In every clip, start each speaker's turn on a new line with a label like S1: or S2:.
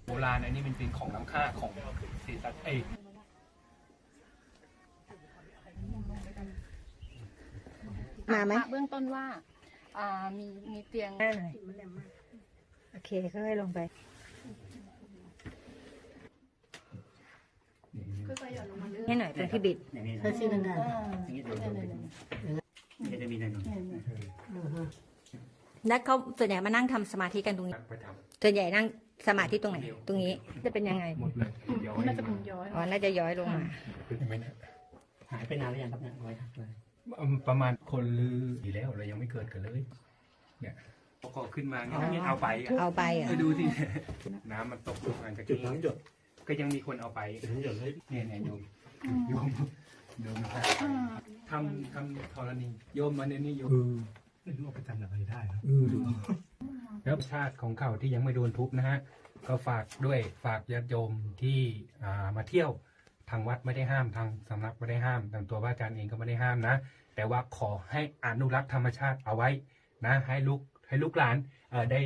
S1: โบราณอันนี้มันเป็นของล้ำค่าของศรีสัตว์
S2: มาไหม
S3: เบื้องต้นว่ามีเตียง
S2: โอเคค่อยๆลงไป
S3: ค่อยๆหย่อนลงมาเรื่อย
S2: ให้หน่อยตรงที่บิด
S4: อย่างนี้
S5: ถ้าชื่อดัง
S4: อย่างนี้เดี๋ยวจะมีหนึ่ง
S2: แล้วเขาส่วนใหญ่มานั่งทำสมาธิกันตรงนี้
S1: ไปท
S2: ส่วนใหญ่นั่งสมาธิตรงไหน ตรงนี้ จะเป็นยังไง
S1: ำหมดเลยย้อย
S3: น่าจะเป็นย้อย
S2: อ๋อ น่าจะย้อยลงมา
S1: ไม่นะ
S4: หายไปนานหรือยังครับเนี่ยร้อยหักเลย
S1: ประมาณคนลือดีแล้วเรายังไม่เกิดกันเลย เนี่ยก็ขึ้นมาเนี่ยเอาไปอ่ะ
S2: เอาไปเหรอ
S1: ไปดูสิน้ำมันตกลงมาจาก
S4: จุด
S1: นี้
S4: ทั้งจุด
S1: ก็ยังมีคนเอาไป
S4: จุดทั้งจุดเลย
S1: เนี่ยโยมนะครับทำธรณีโยมมาเนี่ยนี่โยม
S4: ไม่รู้เอาไปทำอะไรได้ครับ
S1: ดูแล้วชาติของเขาที่ยังไม่โดนทุบนะฮะก็ฝากด้วยฝากญาติโยมที่มาเที่ยวทางวัดไม่ได้ห้ามทางสำนักไม่ได้ห้ามทางตัวพระอาจารย์เองก็ไม่ได้ห้ามนะ แต่ว่าขอให้อนุรักษ์ธรรมชาติเอาไว้นะให้ลูกหลานได้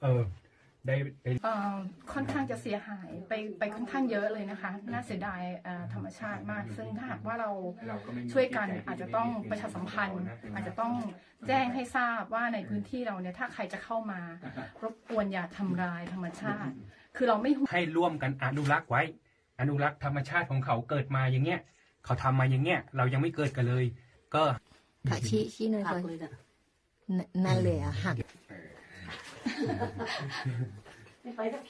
S3: ค่อนข้างจะเสียหายไปค่อนข้างเยอะเลยนะคะ น่าเสียดายธรรมชาติมาก ซึ่งถ้าหากว่าเราช่วยกันอาจจะต้องประชาสัมพันธ์ อาจจะต้องแจ้งให้ทราบว่าในพื้นที่เราเนี่ยถ้าใครจะเข้ามารบกวนอย่าทำลายธรรมชาติ คือเราไม่ห่วง
S1: ให้ร่วมกันอนุรักษ์ไว้ อนุรักษ์ธรรมชาติของเขาเกิดมาอย่างเงี้ยเขาทำมาอย่างเงี้ยเรายังไม่เกิดกันเลย ก็
S2: ค่ะชี้หน่อย
S5: หั
S2: ก่อก น
S5: เลยจ้ะ
S2: นั่นเลยอ่ะหัก
S5: ไม่ไปสัก